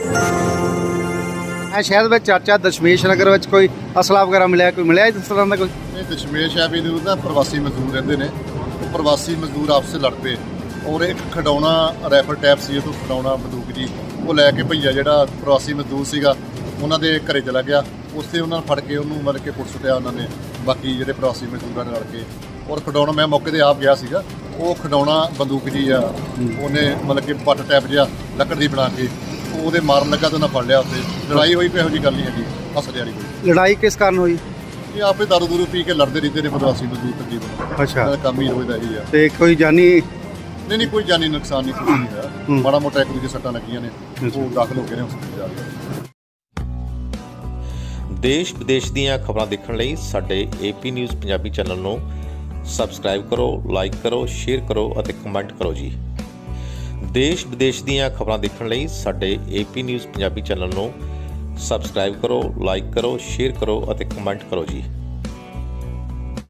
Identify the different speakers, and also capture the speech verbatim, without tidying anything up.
Speaker 1: शहर में चर्चा दशमेश नगर में कोई असला वगैरह मिले कोई मिले इस तरह का कोई
Speaker 2: ਇਹ ਦਸ਼ਮੇਸ਼ ਐਵੀਨਿਊ ਦਾ ਪ੍ਰਵਾਸੀ ਮਜ਼ਦੂਰ ਰਹਿੰਦੇ ਨੇ। ਉਹ ਪ੍ਰਵਾਸੀ ਮਜ਼ਦੂਰ ਆਪਸ 'ਚ ਲੜ ਪਏ ਔਰ ਇੱਕ ਖਡਾਉਣਾ ਰੈਫਲ ਟੈਪ ਸੀ, ਉਹ ਖਡਾਉਣਾ ਬੰਦੂਕ ਜੀ ਉਹ ਲੈ ਕੇ ਭਈਆ ਜਿਹੜਾ ਪ੍ਰਵਾਸੀ ਮਜ਼ਦੂਰ ਸੀਗਾ ਉਹਨਾਂ ਦੇ ਘਰੇ ਚਲਾ ਗਿਆ। ਉੱਥੇ ਉਹਨਾਂ ਨੂੰ ਫੜ ਕੇ ਉਹਨੂੰ ਮਤਲਬ ਕਿ ਪੁੱਟ ਸੁੱਟਿਆ ਉਹਨਾਂ ਨੇ, ਬਾਕੀ ਜਿਹੜੇ ਪ੍ਰਵਾਸੀ ਮਜ਼ਦੂਰਾਂ ਨਾਲ ਰਲ ਕੇ। ਔਰ ਖਡਾਉਣਾ ਮੈਂ ਮੌਕੇ 'ਤੇ ਆਪ ਗਿਆ ਸੀਗਾ। ਉਹ ਖਡਾਉਣਾ ਬੰਦੂਕ ਜੀ ਆ ਉਹਨੇ ਮਤਲਬ ਕਿ ਪੱਟ ਟੈਪ ਜਿਹਾ ਲੱਕੜ ਦੀ ਬਣਾ ਕੇ ਉਹਦੇ ਮਾਰਨ ਲੱਗਾ ਤਾਂ ਉਹਨਾਂ ਫੜ ਲਿਆ। ਉੱਥੇ ਲੜਾਈ ਹੋਈ ਕੋਈ ਇਹੋ ਜਿਹੀ ਗੱਲ ਨਹੀਂ ਹੈਗੀ, ਹੱਸਦੇ ਵਾਲੀ ਕੋਈ।
Speaker 1: लड़ाई किस कारण हुई?
Speaker 2: ਇਹ ਆਪੇ ਦਾਰੂ ਦੂਰੂ ਪੀ ਕੇ ਲੜਦੇ ਰਹਿੰਦੇ ਨੇ ਪ੍ਰਵਾਸੀ ਮਜ਼ਦੂਰ ਤਕਰੀਬਨ।
Speaker 1: अच्छा
Speaker 2: ਇਹਨਾਂ ਦਾ ਕੰਮ ਹੀ ਰੋਜ਼ ਦਾ ਇਹੀ ਆ।
Speaker 1: ते कोई जानी
Speaker 2: ਨਹੀਂ ਨਹੀਂ ਕੋਈ ਜਾਨੀ ਨੁਕਸਾਨ ਨਹੀਂ, ਕੁਛ ਨਹੀਂ ਹੋਇਆ। ਮਾੜਾ ਮੋਟਾ ਇੱਕ ਦੂਜੇ ਸੱਟਾਂ ਲੱਗੀਆਂ ਨੇ, ਉਹ ਦਾਖਲ ਹੋ ਗਏ ਨੇ ਹਸਪਤਾਲ ਜਾ ਕੇ।
Speaker 3: ਦੇਸ਼ ਵਿਦੇਸ਼ ਦੀਆਂ ਖਬਰਾਂ ਦੇਖਣ ਲਈ ਸਾਡੇ ਏਪੀ ਨਿਊਜ਼ ਪੰਜਾਬੀ ਚੈਨਲ ਨੂੰ ਸਬਸਕ੍ਰਾਈਬ ਕਰੋ, ਲਾਈਕ ਕਰੋ, ਸ਼ੇਅਰ ਕਰੋ ਅਤੇ ਕਮੈਂਟ ਕਰੋ ਜੀ। ਦੇਸ਼ ਵਿਦੇਸ਼ ਦੀਆਂ ਖਬਰਾਂ ਦੇਖਣ ਲਈ ਸਾਡੇ ਏਪੀ ਨਿਊਜ਼ ਪੰਜਾਬੀ ਚੈਨਲ ਨੂੰ ਸਬਸਕ੍ਰਾਈਬ ਕਰੋ, ਲਾਈਕ ਕਰੋ, ਸ਼ੇਅਰ ਕਰੋ ਅਤੇ ਕਮੈਂਟ ਕਰੋ ਜੀ।